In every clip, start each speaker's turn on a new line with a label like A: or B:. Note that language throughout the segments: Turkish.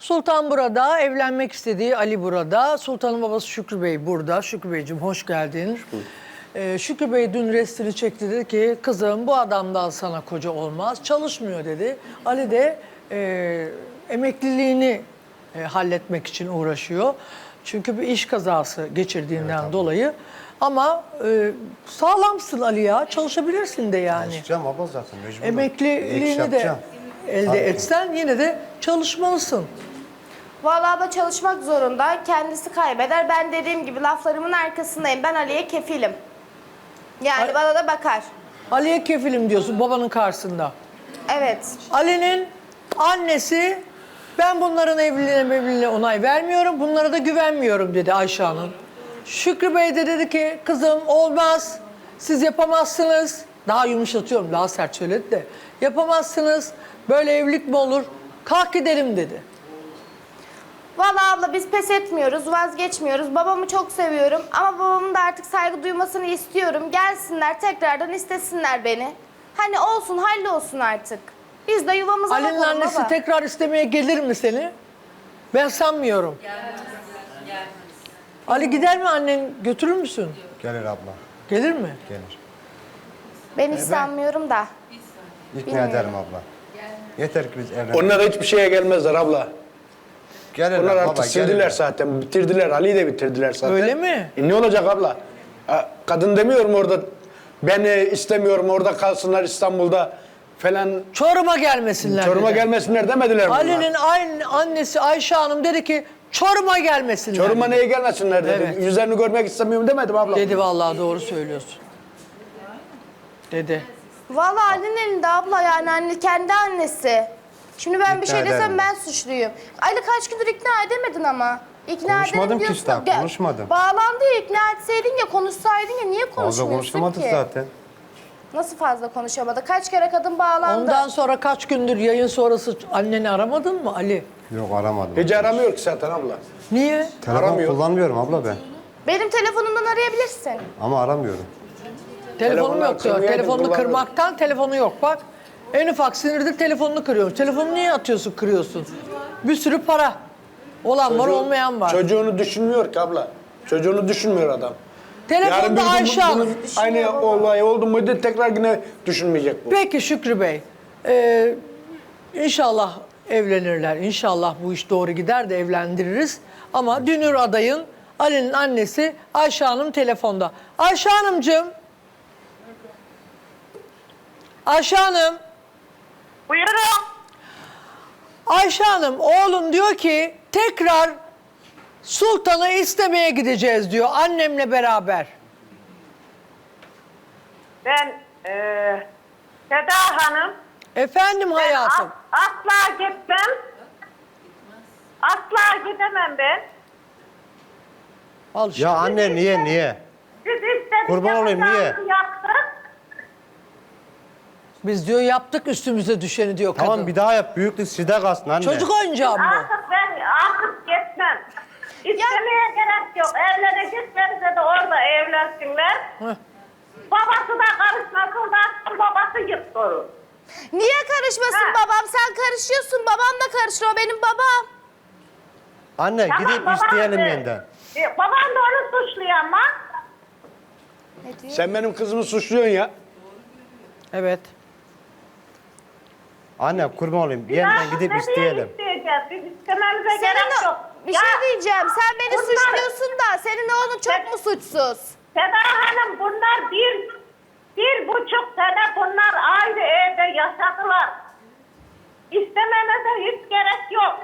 A: Sultan burada, evlenmek istediği Ali burada. Sultan'ın babası Şükrü Bey burada. Şükrü Beyciğim hoş geldin. Şükrü Bey dün restini çekti, dedi ki kızım bu adamdan sana koca olmaz, çalışmıyor dedi. Ali de emekliliğini halletmek için uğraşıyor. Çünkü bir iş kazası geçirdiğinden dolayı. Ama sağlamsın Ali ya, çalışabilirsin de yani.
B: Çalışacağım abla zaten mecburum.
A: Emekliliğini de elde etsen yine de çalışmalısın.
C: Vallahi abla çalışmak zorunda. Kendisi kaybeder. Ben dediğim gibi laflarımın arkasındayım. Ben Ali'ye kefilim. Yani bana da bakar.
A: Ali'ye kefilim diyorsun babanın karşısında.
C: Evet.
A: Ali'nin annesi ben bunların evliliğine onay vermiyorum. Bunlara da güvenmiyorum dedi Ayşe Hanım. Şükrü Bey de dedi ki kızım olmaz. Siz yapamazsınız. Daha yumuşatıyorum, daha sert söyledi de. Yapamazsınız. Böyle evlilik mi olur? Kalk gidelim dedi.
C: Vallahi abla biz pes etmiyoruz, vazgeçmiyoruz. Babamı çok seviyorum ama babamın da artık saygı duymasını istiyorum. Gelsinler tekrardan istesinler beni. Hani olsun, hallolsun artık. Biz de yuvamıza
A: Ali'nin
C: bakalım
A: annesi
C: baba.
A: tekrar istemeye gelir mi seni? Ben sanmıyorum. Ali gider mi, annen götürür müsün?
B: Gelir abla.
A: Gelir mi?
B: Gelir.
C: Ben hiç sanmıyorum da.
B: İkna
C: Bilmiyorum.
B: ederim abla. Yeter ki biz evlenelim.
D: Onlar hiçbir şeye gelmezler abla.
B: Gelirler
D: Onlar
B: baba,
D: artık sildiler
B: gelirler.
D: zaten. Bitirdiler. Ali'yi de bitirdiler zaten.
A: Öyle mi?
D: Ne olacak abla? Kadın demiyorum orada. Beni istemiyorum, orada kalsınlar İstanbul'da falan.
A: Çorum'a gelmesinler
D: Çorum'a
A: dedi.
D: gelmesinler demediler bunlar.
A: Ali'nin annesi Ayşe Hanım dedi ki Çorum'a gelmesinler.
D: Çorum'a
A: dedi.
D: neye gelmesinler dedi.
A: Evet.
D: Yüzlerini görmek istemiyorum demedim abla.
A: Dedi vallahi doğru söylüyorsun. Dedi.
C: Vallahi Ali'nin elinde abla, yani anne kendi annesi. Şimdi ben bir
B: İkna
C: şey desem
B: ederim.
C: ben suçluyum. Ali kaç gündür ikna edemedin ama. İkna
B: Konuşmadım
C: edelim
B: ki
C: diyorsun.
B: işte,
C: Gel,
B: konuşmadım.
C: Bağlandı ya, ikna etseydin ya, konuşsaydın ya, niye
B: Fazla
C: konuşmuyorsun
B: konuşamadık
C: ki?
B: zaten.
C: Nasıl fazla konuşamadı? Kaç kere kadın bağlandı?
A: Ondan sonra kaç gündür yayın sonrası anneni aramadın mı Ali?
B: Yok aramadım.
D: Hiç aramıyor ki zaten abla.
A: Niye?
B: Telefon
D: aramıyor.
B: kullanmıyorum abla ben.
C: Benim telefonumdan arayabilirsin.
B: Ama aramıyorum.
A: Telefonum
D: Telefonlar
A: yok diyor.
D: kırmaya
A: Telefonunu
D: kullanıyor.
A: kırmaktan telefonu yok bak. En ufak sinirde telefonunu kırıyormuş. Telefonu niye atıyorsun, kırıyorsun? Bir sürü para. Olan var, olmayan var.
D: Çocuğunu düşünmüyor ki abla. Çocuğunu düşünmüyor adam.
A: Telefonda Ayşe Hanım.
D: Aynı olay oldu muydu tekrar yine düşünmeyecek bu.
A: Peki Şükrü Bey. İnşallah evlenirler. İnşallah bu iş doğru gider de evlendiririz. Ama Dünür adayın Ali'nin annesi Ayşe Hanım telefonda. Ayşe Hanımcığım. Ayşe Hanım.
E: Buyurun.
A: Ayşe Hanım oğlum diyor ki tekrar Sultan'ı istemeye gideceğiz diyor annemle beraber.
E: Ben Seda Hanım.
A: Efendim
E: Ben
A: hayatım.
E: asla gitmem. Asla gidemem ben.
A: Al işte.
B: Ya anne niye?
E: Siz istediklerinizi
B: Kurban olayım, niye?
E: yaptık.
A: Biz diyor yaptık üstümüze düşeni diyor kadın.
B: Tamam bir daha yap. Büyüklük sizde kalsın anne.
A: Çocuk oyuncağı mı bu?
E: Artık gitmem. İstemeye gerek yok. Evleneceklerse de orada evlensinler.
A: Heh.
E: Babası da karışmasın da babası yıktırır.
C: Niye karışmasın
E: Ha.
C: babam? Sen karışıyorsun. Babam da karışır. O benim babam.
B: Anne
E: Tamam,
B: gidip
E: babam
B: isteyelim
E: de-
B: yeniden.
E: Babam da onu suçluyor ama.
C: Ne diyor?
D: Sen benim kızımı suçluyorsun ya.
A: Evet.
B: Anne kurban olayım. Yeniden gidip
E: Ne
B: isteyelim.
E: isteyeceğiz? Biz istememize
C: Senin
E: gerek
C: o-
E: yok.
C: bir
E: Ya,
C: şey diyeceğim. Sen beni
E: bunlar-
C: suçluyorsun da senin oğlun çok mu suçsuz?
E: Seda Hanım bunlar bir buçuk sene bunlar aynı evde yaşadılar. İstememize hiç gerek yok.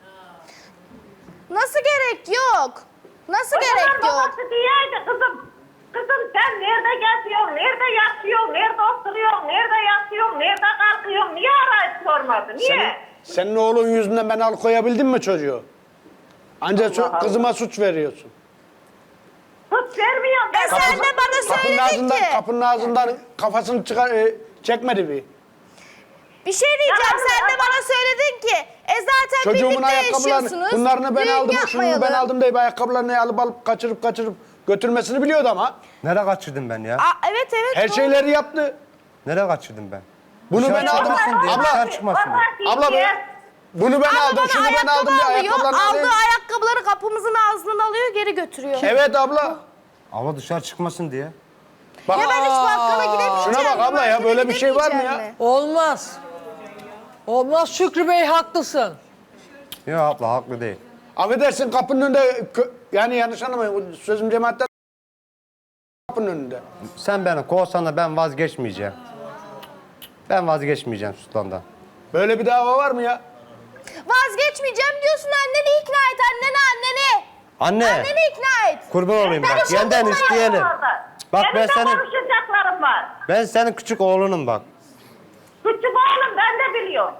C: Nasıl gerek yok? Nasıl
E: O
C: gerek
E: zaman
C: yok?
E: babası diyeydi kızım sen nerede geziyorsun, nerede yatıyorsun, nerede oturuyorsun, nerede yatıyorsun, nerede kalkıyorsun, niye arayıp sormadı, niye?
D: Senin oğlun yüzünden ben alıkoyabildim mi çocuğu? Ancak
E: Allah Allah.
D: kızıma suç veriyorsun.
E: Suç vermiyorum ben.
C: Sen de bana
D: Kapının
C: söyledin
D: ağzından,
C: ki.
D: kapının ağzından kafasını çekmedi bir.
C: Bir şey diyeceğim.
E: Ya,
C: Sen de bana söyledin ki. Zaten
D: Çocuğumun
C: birlikte
D: ayakkabılarını,
C: yaşıyorsunuz.
D: bunlarını ben
C: Düğün
D: aldım, şunu ben
C: yapmayalım.
D: aldım deyip ayakkabılarını alıp kaçırıp götürmesini biliyordu ama.
B: Nereye kaçırdım ben ya?
C: Evet evet.
D: Her
C: doğru.
D: şeyleri yaptı.
B: Nereye kaçırdım ben?
D: Bunu
B: Dışarı
D: ben aldım.
B: çıkmasın diye,
D: Abla,
B: dışarı çıkmasın diye.
D: Abla be. Bunu ben
C: Ama
D: aldım,
C: bana
D: şunu ben
C: ayakkabı
D: aldım diye
C: alıyor.
D: ayakkabılarını
C: Aldığı
D: alayım.
C: ayakkabıları kapımızın ağzından alıyor, geri götürüyor.
D: Evet abla.
B: Ama dışarı çıkmasın diye.
D: Bak,
C: Ya ben hiç bakkala gidemeyeceğim.
D: Şuna bak abla ya,
C: markete
D: böyle bir şey var mı
C: gidemeyeceğim
D: ya?
C: mi?
A: Olmaz. Olmaz Şükrü Bey, haklısın.
B: Ya abla haklı değil.
D: affedersin kapının önünde, yani yanlış anlamayın, sözüm cemaatten kapının önünde.
B: Sen beni kovsan da ben vazgeçmeyeceğim. Ben vazgeçmeyeceğim Sultan'dan.
D: Böyle bir dava var mı ya?
C: Vazgeçmeyeceğim diyorsun, anneni ikna et, anneni.
B: Anne,
C: Anneni ikna et.
B: kurban olayım
C: Ben
B: bak.
C: işim
B: Yenden
C: tutmayayım
B: isteyelim.
E: Orada.
B: Bak
E: Benim
B: ben
E: de
B: senin,
E: konuşacaklarım var.
B: ben senin küçük oğlunum bak.
E: Küçük oğlum, ben de biliyorum.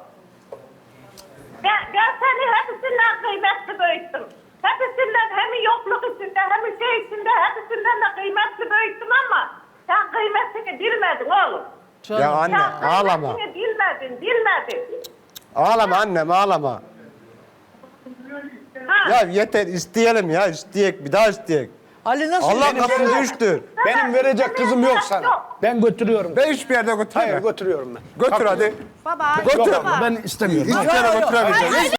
E: Ben seni hepsinden kıymetli büyüttüm. Hepsinden, hem yokluk içinde hem şey içinde, hepsinden de kıymetli büyüttüm ama sen kıymetini bilmedin oğlum.
A: Canım.
B: Ya anne
E: Sen
B: ağlama.
E: kıymetini bilmedin.
B: Ağlama annem ağlama.
E: Ha.
B: Ya yeter isteyelim ya isteyek bir daha isteyek.
A: Ali nasıl?
B: Allah
A: benim-
B: kapını düştür.
D: Benim verecek kızım yok sana. Ben götürüyorum.
B: Ben hiçbir yerde
D: Hayır,
B: götürme.
D: götürüyorum ben.
B: Götür hadi.
C: Baba,
B: Götür.
C: baba.
D: Ben istemiyorum.
B: Hiçbir yere götüremeyeceğim.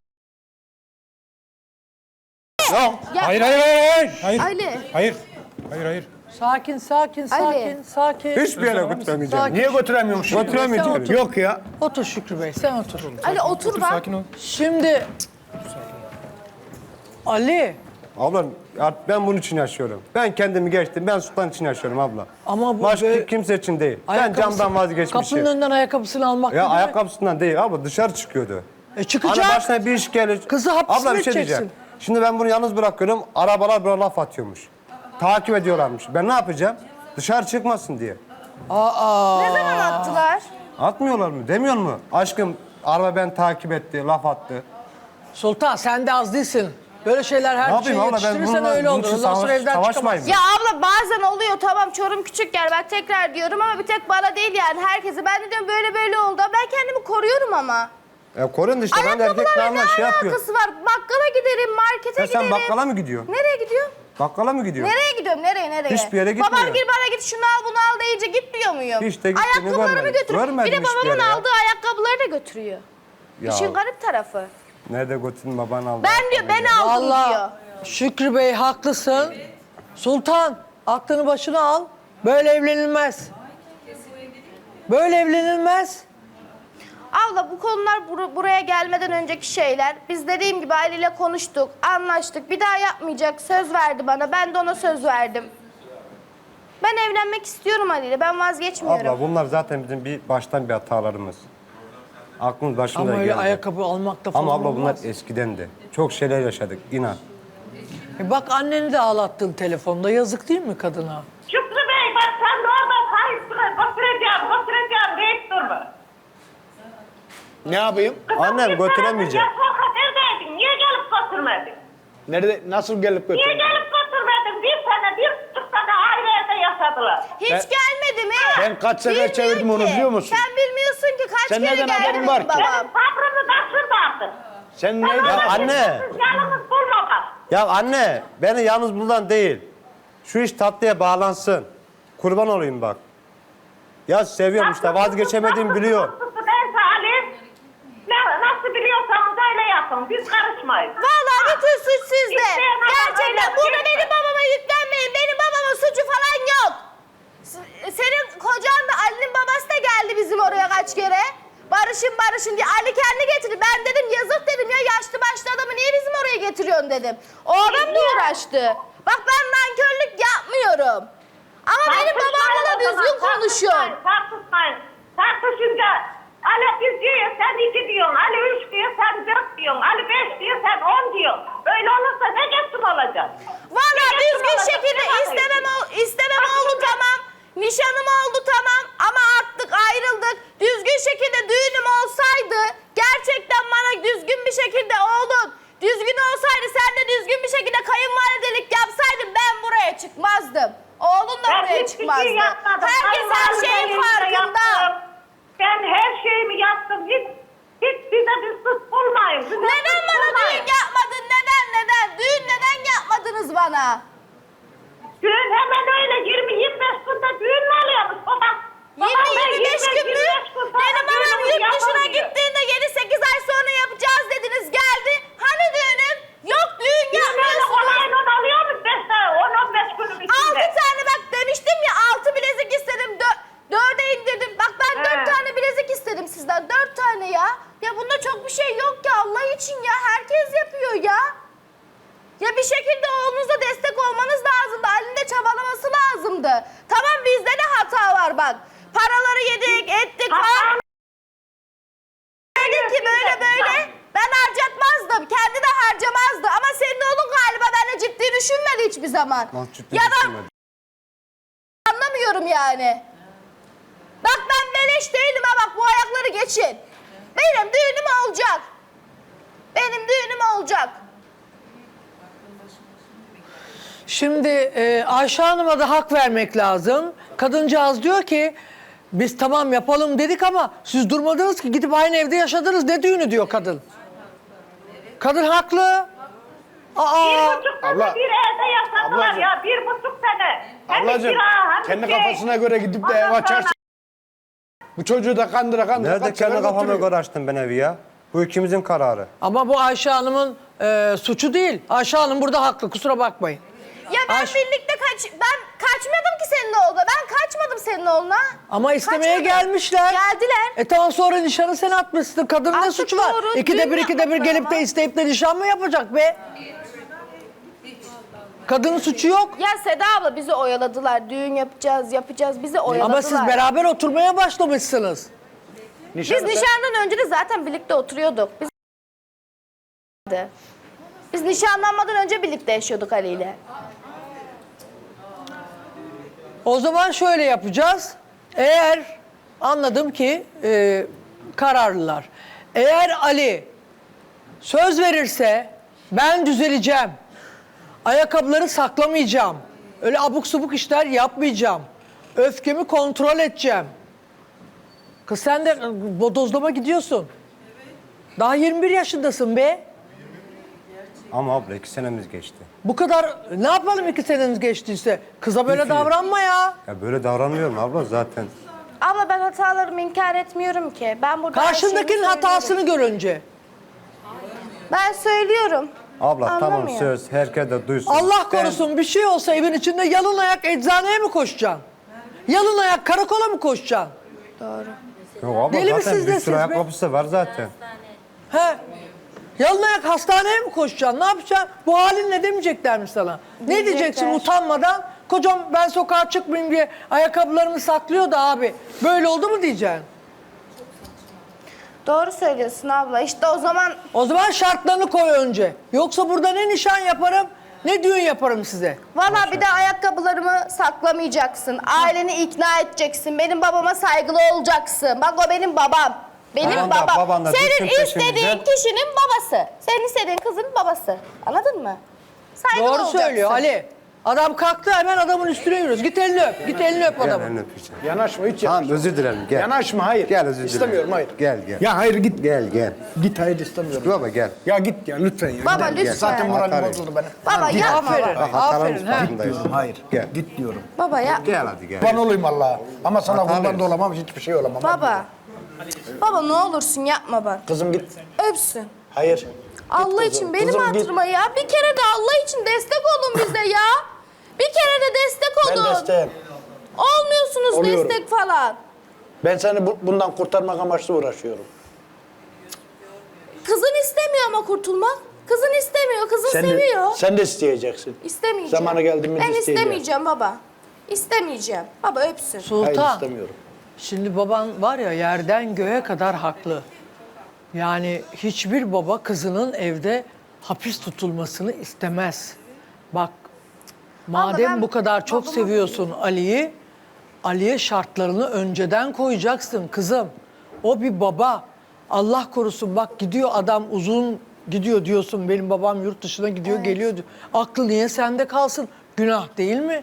B: Yok.
F: Hayır hayır hayır hayır. Hayır.
C: Ali.
F: Hayır. Hayır hayır.
A: Sakin.
B: Hiçbir yere götüremeyeceğim.
A: Sakin.
D: Niye götüremiyormuşum?
B: Götüremeyeceğim.
D: Yok ya.
A: Otur Şükrü Bey, sen otur.
C: Ali otur bak.
F: Sakin ol.
A: Şimdi Ali,
B: Abla artık ben bunun için yaşıyorum. Ben kendimi geçtim. Ben Sultan için yaşıyorum abla.
A: Ama bu
B: Başka
A: böyle-
B: kimse için değil. Ben
A: ayakkabısı-
B: camdan vazgeçmişim.
A: Kapının önünden ayakkabısını almak
B: Ya
A: ne demek?
B: ayakkabısından değil abla dışarı çıkıyordu.
A: Çıkacak.
B: Hani başına bir iş gelir.
A: Kızı hapis
B: Abla
A: mi
B: bir şey
A: edeceksin?
B: diyeceğim. Şimdi ben bunu yalnız bırakıyorum. Arabalar böyle laf atıyormuş. Takip ediyorlarmış. Ben ne yapacağım? Dışarı çıkmasın diye.
C: Ne zaman attılar?
B: Atmıyorlar mı? Demiyor mu? Aşkım araba ben takip etti, laf attı.
A: Sultan sen de az değilsin. Böyle şeyler
B: Ne
A: her şeyi
B: yapayım abla ben
A: yetiştirirsen
B: bununla
A: öyle
B: bunun
A: olur.
B: için
A: Ondan sonra evden
B: savaşmayayım
A: çıkamazsın.
B: mı?
C: Ya abla bazen oluyor, tamam Çorum küçük yer, ben tekrar diyorum ama bir tek bana değil yani herkese. Ben de diyorum böyle oldu. Ben kendimi koruyorum ama.
B: Korun da işte ben de erkek
C: Ayakkabılarla ne
B: namına şey yapıyor.
C: alakası var? Bakkala giderim, markete
B: Ya
C: giderim.
B: sen bakkala mı gidiyorsun?
C: Nereye gidiyorum?
B: Bakkala mı gidiyorsun?
C: Nereye gidiyorum? Nereye?
B: Hiçbir yere
C: Babam
B: gitmiyor.
C: gir bana git şunu al bunu al deyince gitmiyor muyum?
B: Hiç de gittiğini
C: Ayakkabılarımı
B: görmedim.
C: götürüyor. Bir
B: Görmedim
C: de
B: hiçbir
C: babamın
B: yere ya.
C: aldığı ayakkabıları da götürüyor.
B: Ya.
C: İşin garip tarafı.
B: Nerede götürdün baban aldı?
C: Ben diyor ben aldım diyor.
A: Vallahi Şükrü Bey haklısın. Sultan aklını başına al. Böyle evlenilmez. Böyle evlenilmez.
C: Abla bu konular buraya gelmeden önceki şeyler. Biz dediğim gibi Ali ile konuştuk, anlaştık. Bir daha yapmayacak, söz verdi bana. Ben de ona söz verdim. Ben evlenmek istiyorum Ali ile, ben vazgeçmiyorum.
B: Abla bunlar zaten bizim baştan bir hatalarımız. Aklımız başımıza
A: Ama öyle
B: geldi.
A: ayakkabı almak da falan
B: Ama abla bunlar
A: olmaz.
B: eskiden de. Çok şeyler yaşadık inan.
A: Bak anneni de ağlattın telefonda. Yazık değil mi kadına?
E: Şükrü Bey, bak sen de orada sahipsine götüreceğim deyip durma.
D: Ne yapayım?
B: Annem götüremeyecek.
E: Ya Soka neredeydin? Niye gelip götürmedin?
D: Nerede, nasıl gelip
E: Niye
D: götüreyim?
E: gelip götürmedin? Bir buçuk sene ayrı evde yaşadılar.
C: Hiç
D: Ben-
C: gelmedi mi?
D: Ben kaç sefer
C: Bilmiyor
D: çevirdim onu
C: ki.
D: biliyor musun?
C: Sen bilmiyorsun ki kaç
D: Sen
C: kere
D: neden
C: geldi
D: haberin
C: benim
D: var ki?
C: babam.
E: Benim sabrımı taşırdı artık.
D: Sen neyden?
B: Ya anne.
E: Yalnız bulma bak.
B: Ya anne beni yalnız buradan değil. Şu iş tatlıya bağlansın. Kurban olayım bak. Ya seviyorum işte vazgeçemediğimi biliyor.
E: Neyse Ali, nasıl biliyorsanız öyle yapın. Biz karışmayız.
C: Vallahi bütün suç sizde.
E: İsteyen adam
C: Gerçekten
E: öyle
C: burada
E: değil mi?
C: benim babama yüklenmeyin. Benim babamın suçu falan yok. Senin kocan da Ali'nin babası da geldi bizim oraya kaç kere. Barışın diye. Ali kendi getirdi. Ben dedim yazık dedim ya, yaşlı başlı adamı niye bizim oraya getiriyorsun dedim. O adam da uğraştı. Bak ben nankörlük yapmıyorum. Ama benim babamla da düzgün konuşun.
E: Tartışınca Ali biz diyor, sen 2 diyorsun. Ali 3 diyor, sen 4 diyorsun. Ali 5 diyor, sen 10 diyorsun. Böyle olursa ne geçsin olacak?
C: Valla
E: Ne
C: düzgün
E: geçsin olacak?
C: şekilde
E: Ne bakıyorsun?
C: istemem oldu tamam. Nişanım oldu tamam ama attık ayrıldık. Düzgün şekilde düğünüm olsaydı gerçekten bana düzgün bir şekilde oğlun düzgün olsaydı sen de düzgün bir şekilde kayınvalidelik yapsaydın ben buraya çıkmazdım. Oğlun da
E: Ben
C: buraya
E: hiçbir şey
C: çıkmazdı.
E: yapmadım.
C: Herkes her şeyin
E: Kayınvalideyle
C: farkında.
E: yaptım. Ben her şeyimi yaptım. Hiç bize bir suç bulmayın. Bize
C: Neden
E: suç
C: bana
E: bulmayın.
C: düğün yapmadın? Neden? Düğün neden yapmadınız bana?
E: Düğün hemen öyle 20-25 günde düğün mü oluyormuş babam?
C: 20-25 gün mü? Benim babam yurt dışına
E: gitti.
C: gittiğinde 7-8 ay sonra yapacağız dedi. Ya bir şekilde oğlunuza destek olmanız lazımdı. Ali'nin de çabalaması lazımdı. Tamam bizde de hata var bak. Paraları yedik, ettik falan. Dedik ki böyle ben harcatmazdım. Kendi de harcamazdı. Ama senin oğlun galiba benimle ciddi düşünmedi hiçbir zaman. Ya da anlamıyorum yani. Bak ben beleş değilim ha bak bu ayakları geçin. Benim düğünüm olacak. Benim düğünüm olacak.
A: Şimdi Ayşe Hanım'a da hak vermek lazım. Kadıncağız diyor ki biz tamam yapalım dedik ama siz durmadınız ki gidip aynı evde yaşadınız. Ne düğünü diyor kadın. Kadın haklı. Aa,
E: 1,5 sene
D: Abla-
E: bir evde yaşadılar
D: Ablacığım.
E: ya 1,5 sene. Hem
D: Ablacığım
E: kira, hem
D: kendi
E: şey.
D: kafasına göre gidip de
E: Ondan
D: ev
E: sonra-
D: açarsa bu çocuğu da kandıra
B: Nerede
D: kaç
B: kendi
D: sefer
B: kafama
D: götürüyor.
B: göre açtım ben evi ya? Bu ikimizin kararı.
A: ama bu Ayşe Hanım'ın suçu değil. Ayşe Hanım burada haklı, kusura bakmayın.
C: Ya ben
A: Ayşe-
C: birlikte ben kaçmadım ki senin oğluna. Ben kaçmadım senin oğluna.
A: Ama istemeye
C: Kaçmadım.
A: gelmişler.
C: Geldiler.
A: Tamam sonra nişanı sen atmışsın. Kadının ne
C: Attık,
A: suçu var?
C: doğru.
A: İkide
C: Düğün
A: bir
C: yapmadılar
A: gelip
C: ama.
A: de isteyip de nişan mı yapacak be? Kadının suçu yok.
C: Ya Seda abla bizi oyaladılar. Düğün yapacağız. Bizi oyaladılar.
A: Ama siz beraber oturmaya başlamışsınız.
C: Biz nişandan önce de zaten birlikte oturuyorduk. Biz nişanlanmadan önce birlikte yaşıyorduk Ali ile.
A: O zaman şöyle yapacağız. Eğer anladım ki kararlılar. Eğer Ali söz verirse ben düzeleceğim. Ayakkabıları saklamayacağım. Öyle abuk subuk işler yapmayacağım. Öfkemi kontrol edeceğim. Kız sen de bodozlama gidiyorsun. Daha 21 yaşındasın be.
B: Ama abla 2 senemiz geçti.
A: Bu kadar ne yapalım 2 seneniz geçtiyse? Kıza böyle
B: Peki.
A: davranma ya.
B: Ya böyle davranmıyorum abla zaten.
C: Abla ben hatalarımı inkar etmiyorum ki. Ben burada her
A: Karşındakinin
C: şeyimi
A: hatasını
C: söylüyorum.
A: gör önce.
C: Ben söylüyorum.
B: Abla tamam
C: Anlamıyor.
B: söz herkes de duysun.
A: Allah korusun bir şey olsa evin içinde yalın ayak eczaneye mi koşacaksın? Yalın ayak karakola mı koşacaksın?
B: Yok abla
A: Deli
B: zaten
A: misiniz
B: bir
A: nesiniz
B: sürü
A: be?
B: ayakkabısı var zaten.
A: He? Yalın ayak hastaneye mi koşacaksın? Ne yapacaksın? Bu halin ne demeyecekler mi sana? Ne diyeceksin utanmadan? Kocam ben sokağa çıkmayayım diye ayakkabılarımı saklıyor da abi. Böyle oldu mu diyeceksin?
C: Doğru söylüyorsun abla. İşte o zaman
A: O zaman şartlarını koy önce. Yoksa burada ne nişan yaparım ne düğün yaparım size.
C: valla bir de ayakkabılarımı saklamayacaksın. Aileni ikna edeceksin. Benim babama saygılı olacaksın. Bak o benim babam. Benim
B: Baban da-
C: babam.
B: baban da
C: Senin
B: düşsün
C: istediğin
B: peşimize.
C: kişinin babası. Senin istediğin kızın babası. Anladın mı? Saygılı
A: Doğru
C: olacaksın.
A: söylüyor Ali. Adam kalktı hemen adamın üstüne yürüyoruz. Git elini öp. Git elini öp
B: Gel
A: adamın.
B: elini öpeceğim.
D: Yanaşma hiç
B: Tamam
D: yanaşma.
B: özür dilerim gel.
D: Yanaşma hayır.
B: Gel özür dilerim.
D: İstemiyorum hayır.
B: Gel gel.
D: Ya hayır git.
B: Gel.
D: Git hayır istemiyorum.
B: Baba gel.
D: Ya git ya lütfen ya.
C: Baba
D: Gidelim.
C: lütfen.
D: Zaten moralim
B: Atarım.
D: bozuldu benim.
C: Baba yapma
A: Aferin.
C: baba.
A: Aferin. ha.
B: farkındayız.
D: Hayır.
B: Gel.
D: Git diyorum.
C: Baba yapma.
B: Gel hadi gel.
D: Ben olayım Allah'a. Ama sana
B: Atarız.
D: kurban da olamam, hiçbir şey olamam.
C: Baba. Baba ne olursun yapma bak.
D: Kızım git.
C: Öpsün.
D: Hayır.
C: Allah
D: kızım.
C: için benim
D: Kızım git.
C: hatırıma ya. Bir kere de Allah için destek olun bize ya. Bir kere de destek
D: Ben
C: olun.
D: desteğim.
C: Olmuyorsunuz
D: Oluyorum.
C: destek falan.
D: Ben seni bundan kurtarmak amaçlı uğraşıyorum.
C: Kızın istemiyor ama kurtulmak. Kızın istemiyor, kızın seviyor.
D: Sen de isteyeceksin.
C: İstemeyeceğim.
D: Zamanı geldi mi
C: Ben
D: isteyeceğim.
C: istemeyeceğim baba. İstemeyeceğim. Baba öpsün.
D: Hayır
A: Sultan.
D: istemiyorum.
A: Şimdi baban var ya yerden göğe kadar haklı. Yani hiçbir baba kızının evde hapis tutulmasını istemez. Bak madem
C: ben
A: bu kadar çok
C: babama-
A: seviyorsun Ali'yi, Ali'ye şartlarını önceden koyacaksın kızım. O bir baba. Allah korusun bak gidiyor adam uzun gidiyor diyorsun benim babam yurt dışına gidiyor geliyor diyor. Aklı niye sende kalsın? Günah değil mi?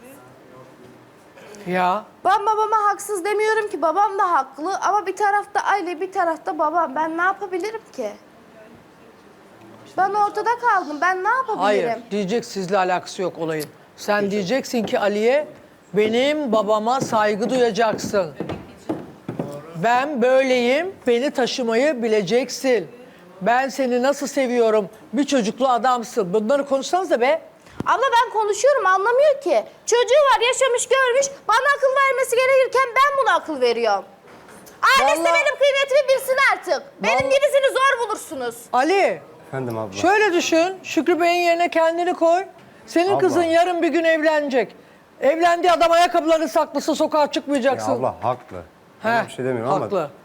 A: Ya.
C: Ben babama haksız demiyorum ki. Babam da haklı ama bir tarafta aile, bir tarafta babam. Ben ne yapabilirim ki? Ben ortada kaldım. Ben ne yapabilirim?
A: Hayır, diyecek sizle alakası yok olayın. Sen diyeceksin ki Ali'ye benim babama saygı duyacaksın. Ben böyleyim, beni taşımayı bileceksin. Ben seni nasıl seviyorum, bir çocuklu adamsın. Bunları konuşsanıza be.
C: Abla ben konuşuyorum anlamıyor ki. Çocuğu var yaşamış görmüş. Bana akıl vermesi gerekirken ben buna akıl veriyorum. Ailesi de
A: Vallahi-
C: benim kıymetimi bilsin artık. Benim
A: Vallahi-
C: gibisini zor bulursunuz.
A: Ali,
B: Efendim abla.
A: Şöyle düşün, Şükrü Bey'in yerine kendini koy. Senin
B: Abla.
A: kızın yarın bir gün evlenecek. Evlendiği adam ayakkabıları saklısı sokağa
B: Ya
A: çıkmayacaksın.
B: abla haklı.
A: He,
B: Ben bir şey demiyorum ama
A: haklı.